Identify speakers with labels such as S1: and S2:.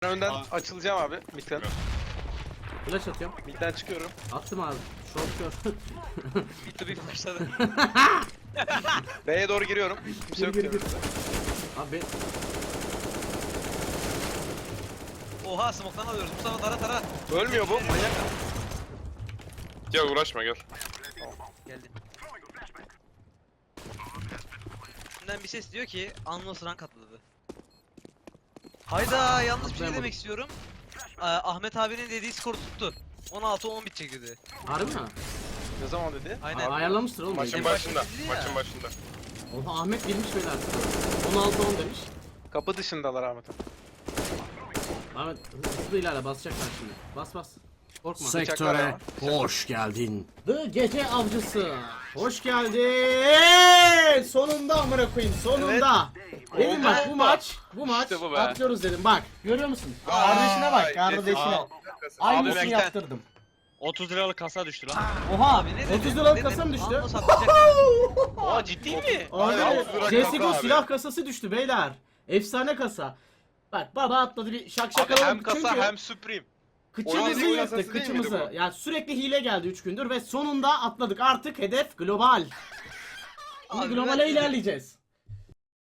S1: Önden açılacağım abi. Mid'den.
S2: Flash atıyorum.
S1: Mid'den çıkıyorum.
S2: Attım abi. Short gör.
S3: Bitti bir başladı.
S1: B'ye doğru giriyorum. Kimse yok
S2: Gir,
S1: diyor.
S2: gir. Abi ben...
S3: Oha smoke'tan alıyoruz. Mustafa tara.
S1: Ölmüyor bu. Manyak.
S4: Gel uğraşma gel.
S3: Geldi. Şimdiden bir ses diyor ki Anlos rank atladı. Hayda yanlış bir şey demek istiyorum. Ahmet abinin dediği skor tuttu. 16-10 bitecek dedi.
S2: Harbi mi?
S1: Ne zaman dedi?
S3: Aynen.
S2: Ayarlamıştır oğlum.
S4: Maçın
S3: en
S4: başında.
S3: başta dedi ya.
S4: Maçın başında.
S2: Oha Ahmet bilmiş beyler. 16-10 demiş.
S1: Kapı dışındalar Ahmet'im.
S2: Ahmet hızlı ilerle basacaklar şimdi. Bas bas. Korkma.
S1: Sektöre
S2: hoş geldin. The Gece Avcısı. Hoş geldin. Sonunda amına koyayım sonunda. Dedim bak bu maç
S1: İşte bu be.
S2: atlıyoruz dedim bak. Görüyor musun? Kardeşine bak kardeşine.
S4: Abi
S2: Aynısını
S4: bekle.
S2: yaptırdım.
S5: 30 liralık kasa düştü lan.
S2: Oha
S3: Abi ne
S2: 30
S3: dedin?
S2: liralık
S3: Ne
S2: kasa mı
S3: dedin?
S2: düştü?
S3: Anlos atlayacak.
S1: Aa ciddi mi?
S2: Abi
S4: Aynen, 30 lira
S2: CSGO
S4: kasa abi.
S2: silah kasası düştü beyler. Efsane kasa. Bak baba atladı bir şak şak
S1: Abi hem
S2: alalım
S1: kasa
S2: çünkü
S1: hem Supreme.
S2: kıçımızı
S4: Oynadığı
S2: yırttık
S4: kasası değil miydi
S2: kıçımızı.
S4: bu?
S2: Yani sürekli hile geldi 3 gündür ve sonunda atladık artık hedef global. Şimdi
S3: Abi
S2: globale
S3: ben-
S2: ilerleyeceğiz.